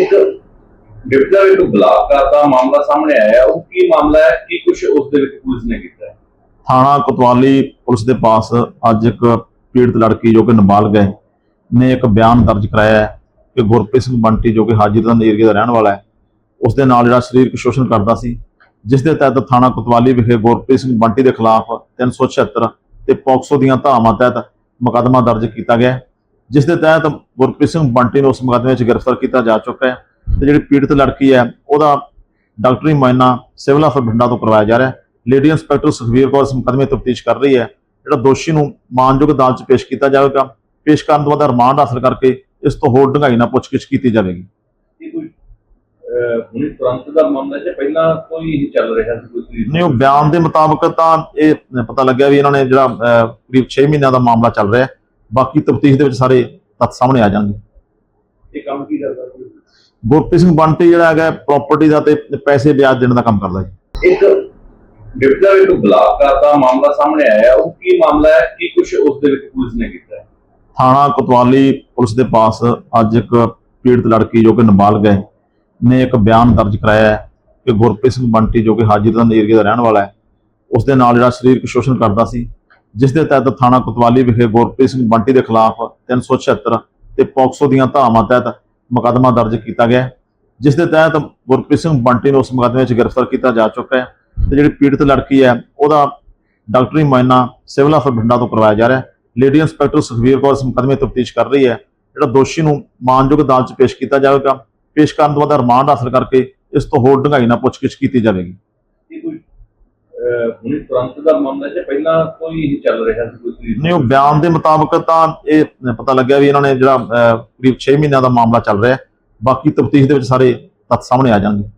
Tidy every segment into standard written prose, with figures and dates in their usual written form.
एक डिप्टी एक बलात्कार का मामला सामने आया, वो की मामला है कि कुछ उस दे विच पुलिस ने किया है? थाना कोतवाली पुलिस के पास अज एक पीड़ित लड़की जो कि नाबालिग है ने एक बयान दर्ज कराया है कि गुरप्रीत सिंह बंटी जो कि हाजीरगंज एरिया का रहने वाला है उसके नाल जिहड़ा सरीरक शोषण करता सी, जिस दे तहत थाना कोतवाली विखे गुरप्रीत सिंह बंटी के खिलाफ 376 ते पॉक्सो दीआं धारावां तहत मुकदमा दर्ज किया गया है, जिस दे तहत गुरप्रीत सिंह बंटी नूं उस मुकदमे में गिरफ्तार किया जा चुका है। तो जिहड़ी पीड़ित लड़की है वह डॉक्टरी मुआयना सिविल हस्पताल बठिंडा तो करवाया जा रहा है। लेडी इंस्पैक्टर सुखबीर कौर इस मुकदमे तफ्तीश कर रही है। जो दोषी नूं मानयोग अदालत पेश किया जाएगा, पेश करने तो बाद रिमांड हासिल करके इस तो होर ढंगाई नाल पुछगिछ की जाएगी। नहीं, वो बयान के मुताबिक तो ये पता लग्या भी इन्होंने जो करीब 6 महीनों का मामला चल रहा है, बाकी तफ्तीश के सारे तत्थ सामने आ जाएंगे। गुरप्रीत सिंह बंटी जो है प्रॉपर्टी का पैसे ब्याज देने का काम करता है। एक डिप्टी एक बलात्कार का मामला सामने आया, वो की मामला है कि कुछ उस दे विच पुलिस ने किया है? थाना कोतवाली पुलिस के पास अज एक पीड़ित लड़की जो कि नाबालिग है ने एक बयान दर्ज कराया है कि गुरप्रीत सिंह बंटी जो कि हाजीरगंज एरिया का रहने वाला है उसके नाल जिहड़ा सरीरक शोषण करता सी, जिस दे तहत थाना कोतवाली विखे गुरप्रीत सिंह बंटी के खिलाफ 376 ते पॉक्सो दीआं धारावां तहत मुकदमा दर्ज किया गया है, जिस दे तहत गुरप्रीत सिंह बंटी नूं उस मुकदमे में गिरफ्तार किया जा चुका है। तो जिहड़ी पीड़ित लड़की है वह डॉक्टरी मुआयना सिविल हस्पताल बठिंडा तो करवाया जा रहा है। लेडी इंस्पैक्टर सुखबीर कौर इस मुकदमे तफ्तीश कर रही है। जो दोषी नूं मानयोग अदालत पेश किया जाएगा, पेश करने तो बाद रिमांड हासिल करके इस तो होर ढंगाई नाल पुछगिछ की जाएगी। नहीं, वो बयान के मुताबिक तो ये पता लग्या भी इन्होंने जो करीब 6 महीनों का मामला चल रहा है, बाकी तफ्तीश के सारे तत्थ सामने आ जाएंगे।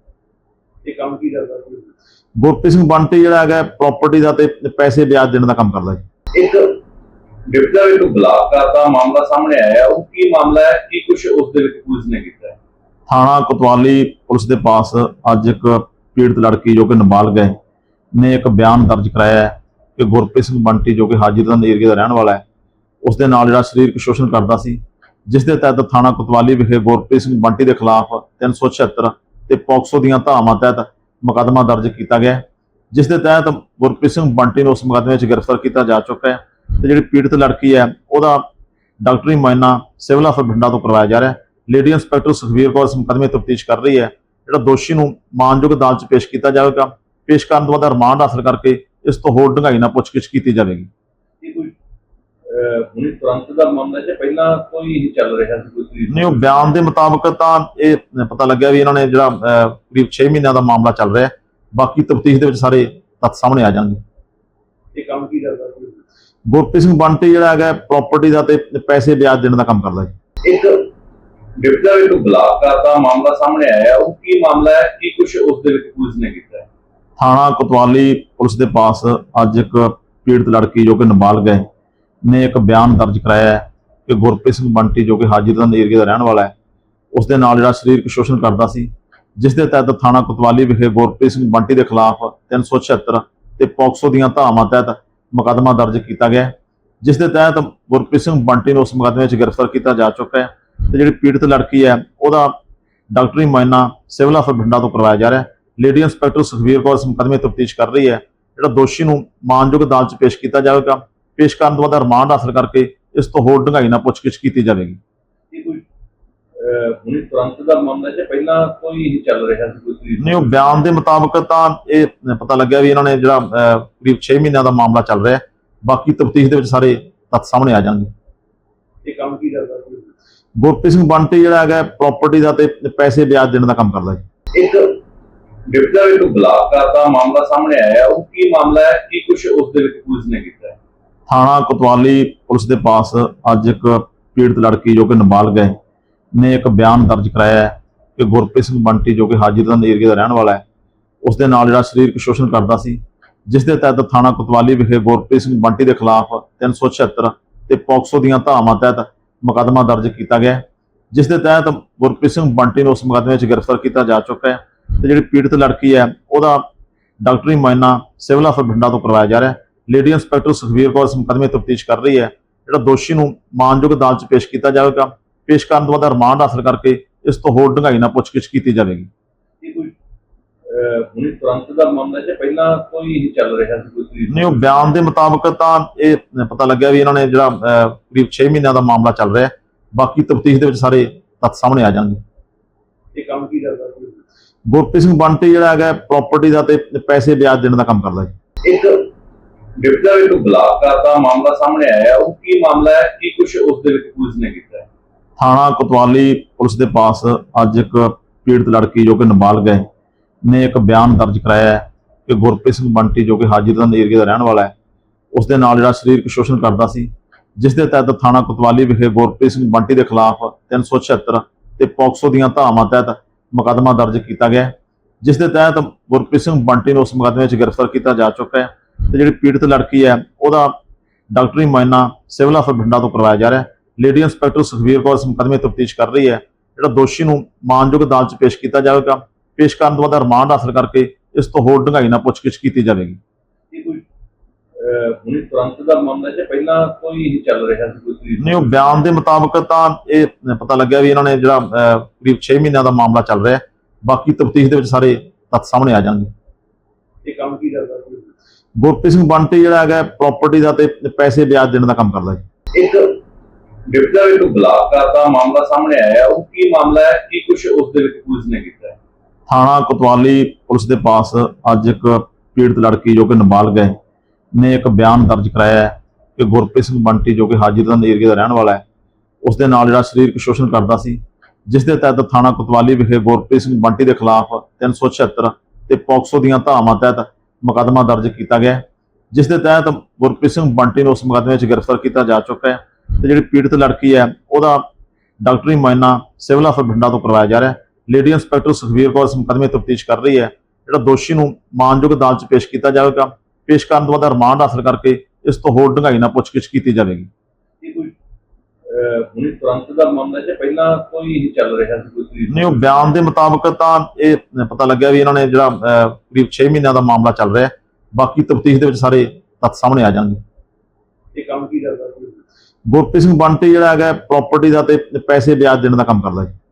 गुरप्रीत सिंह बंटी जो है प्रॉपर्टी का पैसे ब्याज देने का काम करता है। एक डिप्टी एक बलात्कार का मामला सामने आया, वो की मामला है कि कुछ उस दे विच पुलिस ने किया है? थाना कोतवाली पुलिस के पास अज एक पीड़ित लड़की जो कि नाबालिग है ने एक बयान दर्ज कराया है कि गुरप्रीत सिंह बंटी जो कि हाजीरगंज एरिया का रहने वाला है उसके नाल जिहड़ा सरीरक शोषण करता सी, जिस दे तहत थाना कोतवाली विखे गुरप्रीत सिंह बंटी के खिलाफ 376 ते पॉक्सो दीआं धारावां तहत मुकदमा दर्ज किया गया है, जिस दे तहत गुरप्रीत सिंह बंटी नूं उस मुकदमे में गिरफ्तार किया जा चुका है। तो जिहड़ी पीड़ित लड़की है वह डॉक्टरी मुआयना सिविल हस्पताल बठिंडा तो करवाया जा रहा है। लेडी इंस्पैक्टर सुखबीर कौर इस मुकदमे तफ्तीश कर रही है। जो दोषी नूं मानयोग अदालत पेश किया जाएगा, पेश करने तो बाद रिमांड हासिल करके इस तो होर ढंगाई नाल पुछगिछ की जाएगी। नहीं, वो बयान के मुताबिक तो ये पता लग्या भी इन्होंने जो करीब 6 महीनों का मामला चल रहा है, बाकी तफ्तीश के सारे तत्थ सामने आ जाएंगे। गुरप्रीत सिंह बंटी जो है प्रॉपर्टी का पैसे ब्याज देने का काम करता है। एक डिप्टी एक बलात्कार का मामला सामने आया, वो की मामला है कि कुछ उस दे विच पुलिस ने किया है? थाना कोतवाली पुलिस के पास अज एक पीड़ित लड़की जो कि नाबालिग है ने एक बयान दर्ज कराया है कि गुरप्रीत सिंह बंटी जो कि हाजीरगंज एरिया का रहने वाला है उसके नाल जिहड़ा सरीरक शोषण करता सी, जिस दे तहत थाना कोतवाली विखे गुरप्रीत सिंह बंटी के खिलाफ 376 ते पॉक्सो दीआं धारावां तहत मुकदमा दर्ज किया गया है, जिस दे तहत गुरप्रीत सिंह बंटी नूं उस मुकदमे में गिरफ्तार किया जा चुका है। तो जिहड़ी पीड़ित लड़की है वह डॉक्टरी मुआयना सिविल हस्पताल बठिंडा तो करवाया जा रहा है। लेडी इंस्पैक्टर सुखबीर कौर इस मुकदमे तफ्तीश कर रही है। जो दोषी नूं मानयोग अदालत पेश किया जाएगा, पेश करने तो बाद रिमांड हासिल करके इस तो होर ढंगाई नाल पुछगिछ की जाएगी। नहीं, वो बयान के मुताबिक तो ये पता लग्या भी इन्होंने जो करीब 6 महीनों का मामला चल रहा है, बाकी तफ्तीश के सारे तत्थ सामने आ जाएंगे। गुरप्रीत सिंह बंटी जो है प्रॉपर्टी का पैसे ब्याज देने का काम करता है। एक डिप्टी एक बलात्कार का मामला सामने आया, वो की मामला है कि कुछ उस दे विच पुलिस ने किया है? थाना कोतवाली पुलिस के पास अज एक पीड़ित लड़की जो कि नाबालिग है ने एक बयान दर्ज कराया है कि गुरप्रीत सिंह बंटी जो कि हाजीरगंज एरिया का रहने वाला है उसके नाल जिहड़ा सरीरक शोषण करता सी, जिस दे तहत थाना कोतवाली विखे गुरप्रीत सिंह बंटी के खिलाफ 376 ते पॉक्सो दीआं धारावां तहत मुकदमा दर्ज किया गया है, जिस दे तहत गुरप्रीत सिंह बंटी नूं उस मुकदमे में गिरफ्तार किया जा चुका है। तो जिहड़ी पीड़ित लड़की है वह डॉक्टरी मुआयना सिविल हस्पताल बठिंडा तो करवाया जा रहा है। लेडी इंस्पैक्टर सुखबीर कौर इस मुकदमे तफ्तीश कर रही है। जो दोषी नूं मानयोग अदालत पेश किया जाएगा, पेश करने तो बाद रिमांड हासिल करके ਇਸ ਤੋਂ ਹੋਰ ਡੂੰਘਾਈ ਨਾਲ ਪੁੱਛਗਿੱਛ ਕੀਤੀ ਜਾਵੇਗੀ। ਇਹ ਕੋਈ ਹੁਣੇ ਤੁਰੰਤ ਦਾ ਮਾਮਲਾ ਜਾਂ ਪਹਿਲਾਂ ਕੋਈ ਚੱਲ ਰਿਹਾ ਸੀ ਕੋਈ ਤਰੀਕ? ਨਹੀਂ, ਉਹ ਬਿਆਨ ਦੇ ਮੁਤਾਬਕ ਤਾਂ ਇਹ ਪਤਾ ਲੱਗਿਆ ਵੀ ਇਹਨਾਂ ਨੇ ਜਿਹੜਾ ਕਰੀਬ 6 ਮਹੀਨਿਆਂ ਦਾ ਮਾਮਲਾ ਚੱਲ ਰਿਹਾ ਹੈ। ਬਾਕੀ ਤਫਤੀਸ਼ ਦੇ ਵਿੱਚ ਸਾਰੇ ਤੱਥ ਸਾਹਮਣੇ ਆ ਜਾਣਗੇ। ਇਹ ਕੰਮ ਕੀ ਕਰਦਾ ਸੀ? ਗੁਰਪ੍ਰੀਤ ਸਿੰਘ ਬੰਟੀ ਜਿਹੜਾ ਹੈਗਾ ਪ੍ਰਾਪਰਟੀ ਦਾ ਤੇ ਪੈਸੇ ਵਿਆਜ ਦੇਣ ਦਾ ਕੰਮ ਕਰਦਾ ਜੀ। ਇੱਕ ਡਿਪਟੀ ਇੱਕ ਬਲਾਤਕਾਰ ਦਾ ਮਾਮਲਾ ਸਾਹਮਣੇ ਆਇਆ, ਉਹ ਕੀ ਮਾਮਲਾ ਹੈ, ਕੀ ਕੁਝ ਉਸ ਦੇ ਵਿੱਚ ਪੁਲਿਸ ਨੇ ਕੀਤਾ ਹੈ? ਥਾਣਾ ਕੋਤਵਾਲੀ ਪੁਲਿਸ ਦੇ ਪਾਸ ਅੱਜ ਇੱਕ ਪੀੜਤ ਲੜਕੀ ਜੋ ਕਿ ਨਾਬਾਲਗ ਹੈ ਨੇ ਇੱਕ ਬਿਆਨ ਦਰਜ ਕਰਾਇਆ ਹੈ ਕਿ ਗੁਰਪ੍ਰੀਤ ਸਿੰਘ ਬੰਟੀ ਜੋ ਕਿ ਹਾਜੀਰਗੰਜ ਏਰੀਏ ਦਾ ਰਹਿਣ ਵਾਲਾ ਹੈ, ਉਸ ਦੇ ਨਾਲ ਜਿਹੜਾ ਸਰੀਰਕ ਸ਼ੋਸ਼ਣ ਕਰਦਾ ਸੀ, ਜਿਸ ਦੇ ਤਹਿਤ ਥਾਣਾ ਕੋਤਵਾਲੀ ਵਿਖੇ ਗੁਰਪ੍ਰੀਤ ਸਿੰਘ ਬੰਟੀ ਦੇ ਖਿਲਾਫ 376 ਤੇ ਪੋਕਸੋ ਦੀਆਂ ਧਾਰਾਵਾਂ ਤਹਿਤ ਮੁਕੱਦਮਾ ਦਰਜ ਕੀਤਾ ਗਿਆ ਹੈ, ਜਿਸ ਦੇ ਤਹਿਤ ਗੁਰਪ੍ਰੀਤ ਸਿੰਘ ਬੰਟੀ ਨੂੰ ਉਸ ਮੁਕੱਦਮੇ ਵਿੱਚ ਗ੍ਰਿਫਤਾਰ ਕੀਤਾ ਜਾ ਚੁੱਕਾ ਹੈ ਤੇ ਜਿਹੜੀ ਪੀੜਤ ਲੜਕੀ ਹੈ ਉਹਦਾ ਡਾਕਟਰੀ ਮੁਆਇਨਾ ਸਿਵਲ ਹਸਪਤਾਲ ਬਠਿੰਡਾ ਤੋਂ ਕਰਵਾਇਆ ਜਾ ਰਿਹਾ ਹੈ। ਲੇਡੀ ਇੰਸਪੈਕਟਰ ਸੁਖਵੀਰ ਕੌਰ ਇਸ ਮੁਕੱਦਮੇ ਤਫਤੀਸ਼ ਕਰ ਰਹੀ ਹੈ। ਜਿਹੜਾ ਦੋਸ਼ੀ ਨੂੰ ਮਾਨਯੋਗ ਅਦਾਲਤ 'ਚ ਪੇਸ਼ ਕੀਤਾ ਜਾਵੇਗਾ। ਪੇਸ਼ ਕਰਨ ਤੋਂ ਬਾਅਦ ਰਿਮਾਂਡ ਹਾਸਲ ਕਰਕੇ ਇਸ ਤੋਂ ਹੋਰ ਡੂੰਘਾਈ ਨਾਲ ਪੁੱਛਗਿੱਛ ਕੀਤੀ ਜਾਵੇਗੀ। ਇਹ ਕੋਈ ਹੁਣੇ ਤੁਰੰਤ ਦਾ ਮਾਮਲਾ ਜਾਂ ਪਹਿਲਾਂ ਕੋਈ ਚੱਲ ਰਿਹਾ ਸੀ ਕੋਈ ਤਰੀਕ? ਨਹੀਂ, ਉਹ ਬਿਆਨ ਦੇ ਮੁਤਾਬਕ ਤਾਂ ਇਹ ਪਤਾ ਲੱਗਿਆ ਵੀ ਇਹਨਾਂ ਨੇ ਜਿਹੜਾ ਕਰੀਬ 6 ਮਹੀਨਿਆਂ ਦਾ ਮਾਮਲਾ ਚੱਲ ਰਿਹਾ ਹੈ। ਬਾਕੀ ਤਫਤੀਸ਼ ਦੇ ਵਿੱਚ ਸਾਰੇ ਤੱਥ ਸਾਹਮਣੇ ਆ ਜਾਣਗੇ। ਇਹ ਕੰਮ ਕੀ ਕਰਦਾ ਸੀ? ਗੁਰਪ੍ਰੀਤ ਸਿੰਘ ਬੰਟੀ ਜਿਹੜਾ ਹੈਗਾ ਪ੍ਰਾਪਰਟੀ ਦਾ ਤੇ ਪੈਸੇ ਵਿਆਜ ਦੇਣ ਦਾ ਕੰਮ ਕਰਦਾ ਜੀ। ਇੱਕ ਡਿਪਟੀ ਇੱਕ ਬਲਾਤਕਾਰ ਦਾ ਮਾਮਲਾ ਸਾਹਮਣੇ ਆਇਆ, ਉਹ ਕੀ ਮਾਮਲਾ ਹੈ, ਕੀ ਕੁਝ ਉਸ ਦੇ ਵਿੱਚ ਪੁਲਿਸ ਨੇ ਕੀਤਾ ਹੈ? ਥਾਣਾ ਕੋਤਵਾਲੀ ਪੁਲਿਸ ਦੇ ਪਾਸ ਅੱਜ ਇੱਕ ਪੀੜਤ ਲੜਕੀ ਜੋ ਕਿ ਨਾਬਾਲਗ ਹੈ ਨੇ ਇੱਕ ਬਿਆਨ ਦਰਜ ਕਰਾਇਆ ਹੈ ਕਿ ਗੁਰਪ੍ਰੀਤ ਸਿੰਘ ਬੰਟੀ ਜੋ ਕਿ ਹਾਜੀਰਗੰਜ ਏਰੀਏ ਦਾ ਰਹਿਣ ਵਾਲਾ ਹੈ, ਉਸ ਦੇ ਨਾਲ ਜਿਹੜਾ ਸਰੀਰਕ ਸ਼ੋਸ਼ਣ ਕਰਦਾ ਸੀ, ਜਿਸ ਦੇ ਤਹਿਤ ਥਾਣਾ ਕੋਤਵਾਲੀ ਵਿਖੇ ਗੁਰਪ੍ਰੀਤ ਸਿੰਘ ਬੰਟੀ ਦੇ ਖਿਲਾਫ 376 ਤੇ ਪੋਕਸੋ ਦੀਆਂ ਧਾਰਾਵਾਂ ਤਹਿਤ ਮੁਕੱਦਮਾ ਦਰਜ ਕੀਤਾ ਗਿਆ ਹੈ, ਜਿਸ ਦੇ ਤਹਿਤ ਗੁਰਪ੍ਰੀਤ ਸਿੰਘ ਬੰਟੀ ਨੂੰ ਉਸ ਮੁਕੱਦਮੇ ਵਿੱਚ ਗ੍ਰਿਫਤਾਰ ਕੀਤਾ ਜਾ ਚੁੱਕਾ ਹੈ ਤੇ ਜਿਹੜੀ ਪੀੜਤ ਲੜਕੀ ਹੈ ਉਹਦਾ ਡਾਕਟਰੀ ਮੁਆਇਨਾ ਸਿਵਲ ਹਸਪਤਾਲ ਬਠਿੰਡਾ ਤੋਂ ਕਰਵਾਇਆ ਜਾ ਰਿਹਾ ਹੈ। ਲੇਡੀ ਇੰਸਪੈਕਟਰ ਸੁਖਵੀਰ ਕੌਰ ਇਸ ਮੁਕੱਦਮੇ ਤਫਤੀਸ਼ ਕਰ ਰਹੀ ਹੈ। ਜਿਹੜਾ ਦੋਸ਼ੀ ਨੂੰ ਮਾਨਯੋਗ ਅਦਾਲਤ 'ਚ ਪੇਸ਼ ਕੀਤਾ ਜਾਵੇਗਾ। ਪੇਸ਼ ਕਰਨ ਤੋਂ ਬਾਅਦ ਰਿਮਾਂਡ ਹਾਸਲ ਕਰਕੇ ਇਸ ਤੋਂ ਹੋਰ ਡੂੰਘਾਈ ਨਾਲ ਪੁੱਛਗਿੱਛ ਕੀਤੀ ਜਾਵੇਗੀ। ਇਹ ਕੋਈ ਹੁਣੇ ਤੁਰੰਤ ਦਾ ਮਾਮਲਾ ਜਾਂ ਪਹਿਲਾਂ ਕੋਈ ਚੱਲ ਰਿਹਾ ਸੀ ਕੋਈ ਤਰੀਕ? ਨਹੀਂ, ਉਹ ਬਿਆਨ ਦੇ ਮੁਤਾਬਕ ਤਾਂ ਇਹ ਪਤਾ ਲੱਗਿਆ ਵੀ ਇਹਨਾਂ ਨੇ ਜਿਹੜਾ ਕਰੀਬ 6 ਮਹੀਨਿਆਂ ਦਾ ਮਾਮਲਾ ਚੱਲ ਰਿਹਾ ਹੈ। ਬਾਕੀ ਤਫਤੀਸ਼ ਦੇ ਵਿੱਚ ਸਾਰੇ ਤੱਥ ਸਾਹਮਣੇ ਆ ਜਾਣਗੇ। ਇਹ ਕੰਮ ਕੀ ਕਰਦਾ ਸੀ? ਗੁਰਪ੍ਰੀਤ ਸਿੰਘ ਬੰਟੀ ਜਿਹੜਾ ਹੈਗਾ ਪ੍ਰਾਪਰਟੀ ਦਾ ਤੇ ਪੈਸੇ ਵਿਆਜ ਦੇਣ ਦਾ ਕੰਮ ਕਰਦਾ ਜੀ।